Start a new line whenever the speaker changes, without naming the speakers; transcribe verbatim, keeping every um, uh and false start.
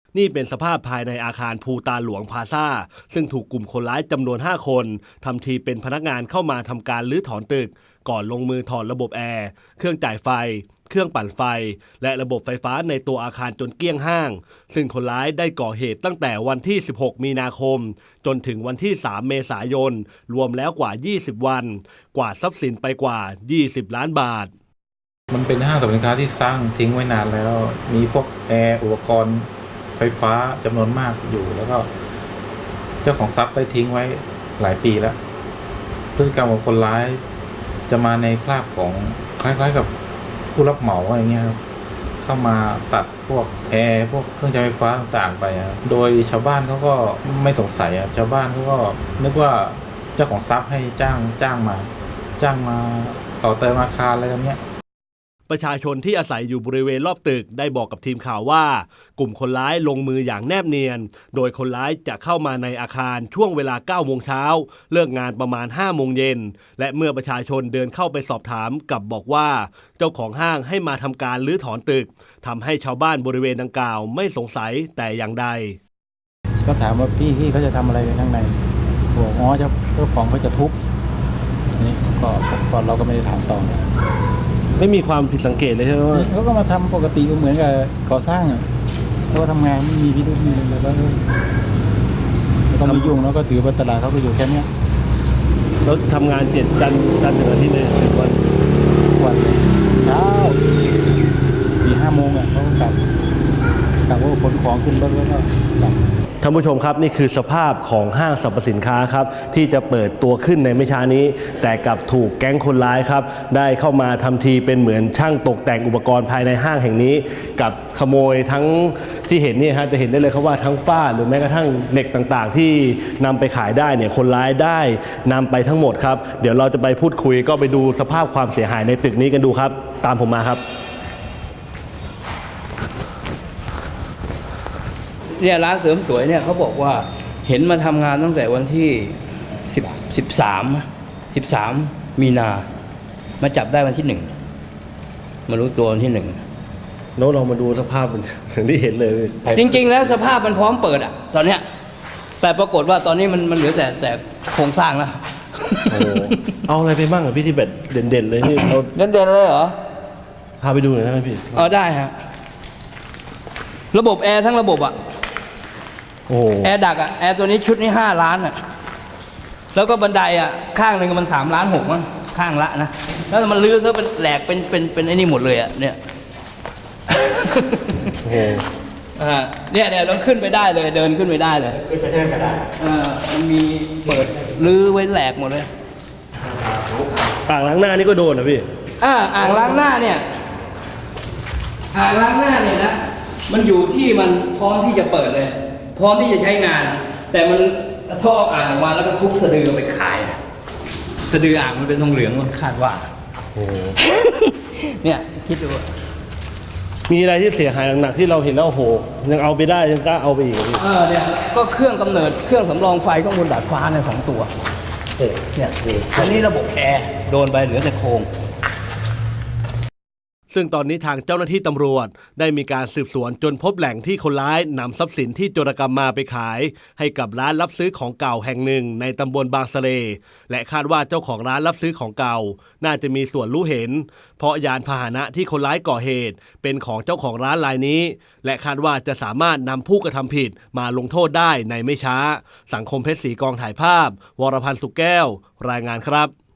นี่เป็นสภาพภายในอาคารภูตาหลวงพลาซ่าซึ่งถูกกลุ่มคนร้ายจำนวนห้าคนทำทีเป็นพนักงานเข้ามาทำการรื้อถอนตึกก่อนลงมือถอดระบบแอร์เครื่องจ่ายไฟเครื่องปั่นไฟและระบบไฟฟ้าในตัวอาคารจนเกลี้ยงห้างซึ่งคนร้ายได้ก่อเหตุตั้งแต่วันที่สิบหกมีนาคมจนถึงวันที่สามเมษายนรวมแล้วกว่ายี่สิบวันกวาดทรัพย์สินไปกว่ายี่สิบล้านบาท
มันเป็นห้างสรรพสินค้าที่สร้างทิ้งไว้นานแล้วมีพวกแอร์อุปกรณ์ไฟฟ้าจำนวนมากอยู่แล้วก็เจ้าของทรัพย์ได้ทิ้งไว้หลายปีแล้วพฤติกรรมของคนร้ายจะมาในคราบของคล้ายๆกับผู้รับเหมาอะไรเงี้ยครับเข้ามาตัดพวกแอร์พวกเครื่องใช้ไฟฟ้าต่างๆไปโดยชาวบ้านเขาก็ไม่สงสัยชาวบ้านเขาก็นึกว่าเจ้าของทรัพย์ให้จ้างจ้างมาจ้างมาต่อเติมอาคารอะไรแบบเนี้ย
ประชาชนที่อาศัยอยู่บริเวณรอบตึกได้บอกกับทีมข่าวว่ากลุ่มคนร้ายลงมืออย่างแนบเนียนโดยคนร้ายจะเข้ามาในอาคารช่วงเวลาเก้าโมงเช้าเลิกงานประมาณห้าโมงเย็นและเมื่อประชาชนเดินเข้าไปสอบถามกลับบอกว่าเจ้าของห้างให้มาทำการรื้อถอนตึกทำให้ชาวบ้านบริเวณดังกล่าวไม่สงสัยแต่อย่างใด
ก็ถามว่าพี่พี่เขาจะทำอะไรข้างในบอกอ๋อเจ้าเจ้าของเขาจะทุบนี่ก็ก่อนเราก็ไม่ได้ถามต่อ
ไม่มีความผิดสังเกตเลยใช่ไหมว่า
เขาก็มาทำปกติก็เหมือนกับก่อสร้างอ่ะเขาก็ทำงานไม่มีพิรุธมีอะไรแล้วก็ไม่ยุ่งแล้วก็ถือว่าตลาดเขาก็อยู่แค่นี้
แล้วทำงานเจ็ดจันทร์จันทร์ถึงอาทิตย์เลยวัน
วันเช้าสี่ห้าโมงอ่ะเขากลับกลับว่าขนของขึ้นรถแล้วก็กลับ
ท่านผู้ชมครับนี่คือสภาพของห้างสรรพสินค้าครับที่จะเปิดตัวขึ้นในไม่ช้านี้แต่กลับถูกแก๊งคนร้ายครับได้เข้ามาทำทีเป็นเหมือนช่างตกแต่งอุปกรณ์ภายในห้างแห่งนี้กับขโมยทั้งที่เห็นนี่ฮะจะเห็นได้เลยครับว่าทั้งฝ้าหรือแม้กระทั่งเหล็กต่างๆที่นำไปขายได้เนี่ยคนร้ายได้นำไปทั้งหมดครับเดี๋ยวเราจะไปพูดคุยก็ไปดูสภาพความเสียหายในตึกนี้กันดูครับตามผมมาครับ
เนี่ยร้านเสริมสวยเนี่ยเขาบอกว่าเห็นมาทำงานตั้งแต่วันที่สิบสิบสามสิบสามมีนามาจับได้วันที่หนึ่งมารู้ตัววันที่หนึ่ง
โน้ตเรามาดูสภาพสิ่งที่เห็นเลย
จริงๆแล้วสภาพมันพร้อมเปิดอ่ะตอนเนี้ยแต่ปรากฏว่าตอนนี้มันมันเหลือแต่แต่โครงสร้างแล้ว
โอ้เอาอะไรไปบ้างอ่ะพี่ที่แบบเด่นๆเลยนี่เรา
เด่นๆเลยเหรอ
พาไปดูหน่อยได้ไหมพี่
อ๋อได้ฮะระบบแอร์ทั้งระบบอ่ะแอร์ดักอ่ะแอร์ตัวนี้ชุดนี้ห้าล้านอ่ะแล้วก็บันไดอ่ะข้างหนึ่งมันสามล้านหกมั้งข้างละนะแล้วมันลื้อก็เป็นแหลกเป็นเป็นเป็นไอ้นี่หมดเลยอ่ะเนี่ย
โอ้โห
อ่าเนี่ยเนี่ยเราขึ้นไปได้เลยเดินขึ้นไปได้เลย
ขึ้นไปเดินก็ได้
อ่ามันมีเปิดลื้อไว้แหลกหมดเลย
อ่างล้างหน้านี่ก็โดนนะพี่
อ่าอ่างล้างหน้าเนี่ยอ่างล้างหน้าเนี่ยนะมันอยู่ที่มันพร้อมที่จะเปิดเลยพร้อมที่จะใช้งานแต่มันท่ออ่างออกมาแล้วก็ทุบสะดือไปขายสะดืออ่างมันเป็นทองเหลืองมันคาดว่า
โอ้
เนี่ยคิดดู
มีอะไรที่เสียหายหนักๆที่เราเห็นแล้วโอ้โหยังเอาไปได้ยังกล้าเอาไปอีก
เออเนี่ยก็เครื่องกำเนิดเครื่องสำรองไฟข้างบนดาดฟ้าเนี่ยสองตัวเนี่ยอันนี้ระบบแอร์โดนไปเหลือแต่โครง
ซึ่งตอนนี้ทางเจ้าหน้าที่ตำรวจได้มีการสืบสวนจนพบแหล่งที่คนร้ายนำทรัพย์สินที่โจรกรรมมาไปขายให้กับร้านรับซื้อของเก่าแห่งหนึ่งในตำบลบางสะเลและคาดว่าเจ้าของร้านรับซื้อของเก่าน่าจะมีส่วนรู้เห็นเพราะยานพาหนะที่คนร้ายก่อเหตุเป็นของเจ้าของร้านรายนี้และคาดว่าจะสามารถนำผู้กระทำผิดมาลงโทษได้ในไม่ช้าสังคมเพชรศรีกองถ่ายภาพวรพันธ์สุขแก้วรายงานครับ